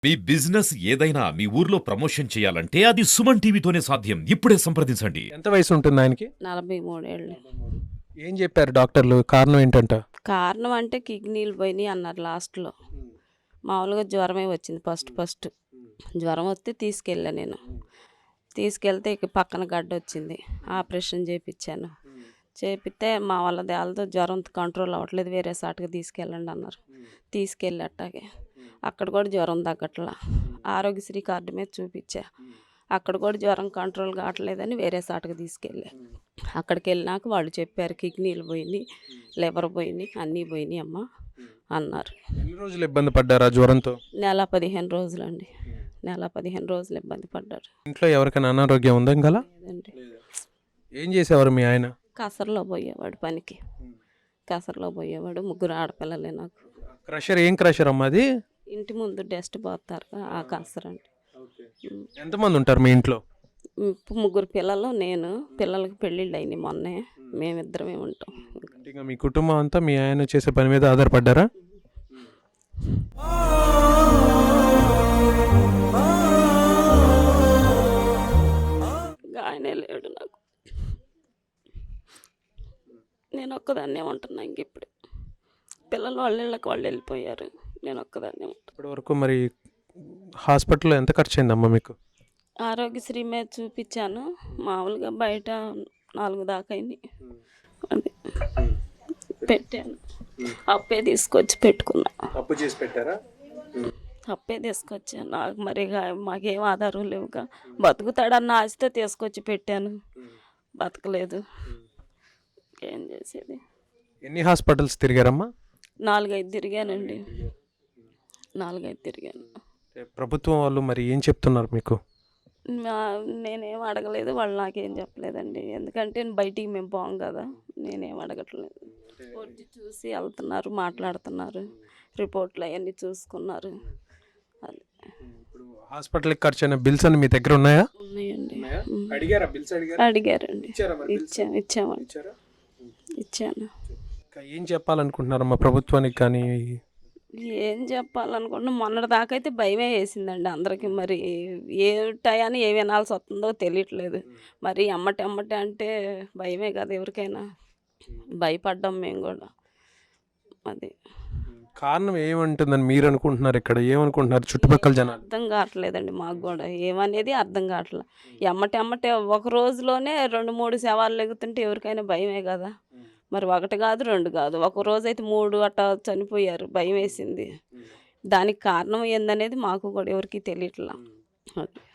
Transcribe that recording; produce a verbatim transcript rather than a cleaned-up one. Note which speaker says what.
Speaker 1: మీ business ఏదైనా మీ ఊర్లో promotion చేయాలంటే అది సుమన్ టీవీతోనే సాధ్యం. ఇప్పుడే సంప్రదించండి.
Speaker 2: ఎంత వయసు ఉంటుంది ఆయనకి?
Speaker 3: నలభై మూడు ఏళ్ళు.
Speaker 2: ఏం చెప్పారు డాక్టర్లు? కారణం ఏంటంట?
Speaker 3: కారణం అంటే కిడ్నీలు పోయినాయి అన్నారు లాస్ట్లో. మామూలుగా జ్వరమే వచ్చింది ఫస్ట్ ఫస్ట్ జ్వరం వస్తే తీసుకెళ్ళా నేను. తీసుకెళ్తే ఇక పక్కన గడ్డ వచ్చింది. ఆపరేషన్ చేయించాను. చేపిస్తే మా వాళ్ళ దేళ్ళతో జ్వరం కంట్రోల్ అవ్వట్లేదు, వేరే సాటుగా తీసుకెళ్ళండి అన్నారు. తీసుకెళ్ళి అట్టాగే అక్కడ కూడా జ్వరం తగ్గట్లా. ఆరోగ్యశ్రీ కార్డు మీద చూపించా. అక్కడ కూడా జ్వరం కంట్రోల్ కావట్లేదని వేరే సాటుగా తీసుకెళ్ళా. అక్కడికి వెళ్ళినాక వాళ్ళు చెప్పారు కిడ్నీలు పోయినాయి, లివర్ పోయినాయి, అన్నీ పోయినాయి అమ్మ అన్నారు.
Speaker 2: ఎన్ని రోజులు ఇబ్బంది పడ్డారా జ్వరంతో?
Speaker 3: నెల పదిహేను రోజులండి. నెల పదిహేను రోజులు ఇబ్బంది పడ్డారు.
Speaker 2: ఇంట్లో ఎవరికైనా అనారోగ్యం ఉందా గల?
Speaker 3: లేదండి.
Speaker 2: ఏం చేసేవారు మీ ఆయన?
Speaker 3: కసరలో పోయేవాడు పనికి. కసరలో పోయేవాడు. ముగ్గురు ఆడపిల్లలే నాకు.
Speaker 2: క్రషర్ ఏం క్రషర్ అమ్మా అది?
Speaker 3: ఇంటి ముందు డస్ట్ పోతారు ఆ కసర అండి.
Speaker 2: ఎంతమంది ఉంటారు మీ ఇంట్లో?
Speaker 3: ముగ్గురు పిల్లలు, నేను. పిల్లలకి పెళ్ళిళ్ళు అయినాయి మొన్నే. మేమిద్దరమే ఉంటాం.
Speaker 2: ఇంకా మీ కుటుంబం అంతా మీ ఆయన చేసే పని మీద ఆధారపడ్డారా?
Speaker 3: ఆయనే లేడు నాకు. నేను ఒక్కదాన్నే ఉంటున్నా. ఇంక ఇప్పుడు పిల్లలు వాళ్ళ ఇళ్ళకి వాళ్ళు వెళ్ళిపోయారు. నేను ఒక్కదాన్నే ఉంటాను.
Speaker 2: ఇప్పటి వరకు మరి హాస్పిటల్లో ఎంత ఖర్చు అయిందమ్మా మీకు?
Speaker 3: ఆరోగ్యశ్రీ మీద చూపించాను. మామూలుగా బయట నాలుగు దాకా అయింది. అది పెట్టాను. అప్పే తీసుకొచ్చి పెట్టుకున్నా.
Speaker 2: అప్పు చేసి పెట్టారా?
Speaker 3: అప్పే తీసుకొచ్చాను. నాకు మరి మాకేం ఆధారం లేవుగా. బతుకుతాడన్న ఆశతో తీసుకొచ్చి పెట్టాను. బతకలేదు. ఏం చేసేది?
Speaker 2: ఎన్ని హాస్పిటల్స్ తిరిగారమ్మా?
Speaker 3: నాలుగైదు తిరిగానండి. నాలుగైదు తిరిగాను.
Speaker 2: ప్రభుత్వం వాళ్ళు మరి ఏం చెప్తున్నారు మీకు?
Speaker 3: నేనేం అడగలేదు, వాళ్ళు నాకేం చెప్పలేదండి. ఎందుకంటే బయటికి మేము పోం కదా. నేనేం అడగట్లేదు. వచ్చి చూసి వెళ్తున్నారు, మాట్లాడుతున్నారు, రిపోర్ట్లు అవన్నీ చూసుకున్నారు. అది
Speaker 2: హాస్పిటల్కి ఖర్చు అయిన బిల్స్ అని మీ దగ్గర ఉన్నాయా?
Speaker 3: ఉన్నాయండి.
Speaker 2: అడిగారండి.
Speaker 3: ఇచ్చాము ఇచ్చామండి ఇచ్చాను.
Speaker 2: ఏం చెప్పాలనుకుంటున్నారమ్మా ప్రభుత్వానికి? కానీ
Speaker 3: ఏం చెప్పాలనుకుంటున్నా, మొన్నటి దాకా అయితే భయమే వేసిందండి అందరికీ. మరి ఏ టయాన్ని ఏ వినాల్సి వస్తుందో తెలియట్లేదు. మరి అమ్మటి అమ్మటి అంటే భయమే కదా ఎవరికైనా. భయపడ్డాం మేము కూడా. అది
Speaker 2: కారణం ఏమంటుందని మీరు అనుకుంటున్నారు? ఇక్కడ ఏమనుకుంటున్నారు చుట్టుపక్కల జనాలు?
Speaker 3: అర్థం కావట్లేదండి మాకు కూడా. ఏమనేది అర్థం కావట్లేదు. ఎమ్మటి అమ్మటే ఒక రోజులోనే రెండు మూడు శవాలు లెగుతుంటే ఎవరికైనా భయమే కదా. మరి ఒకటి కాదు రెండు కాదు, ఒక రోజు అయితే మూడు అట్టా చనిపోయారు. భయం వేసింది. దానికి కారణం ఏందనేది మాకు కూడా ఎవరికి తెలియట్లా.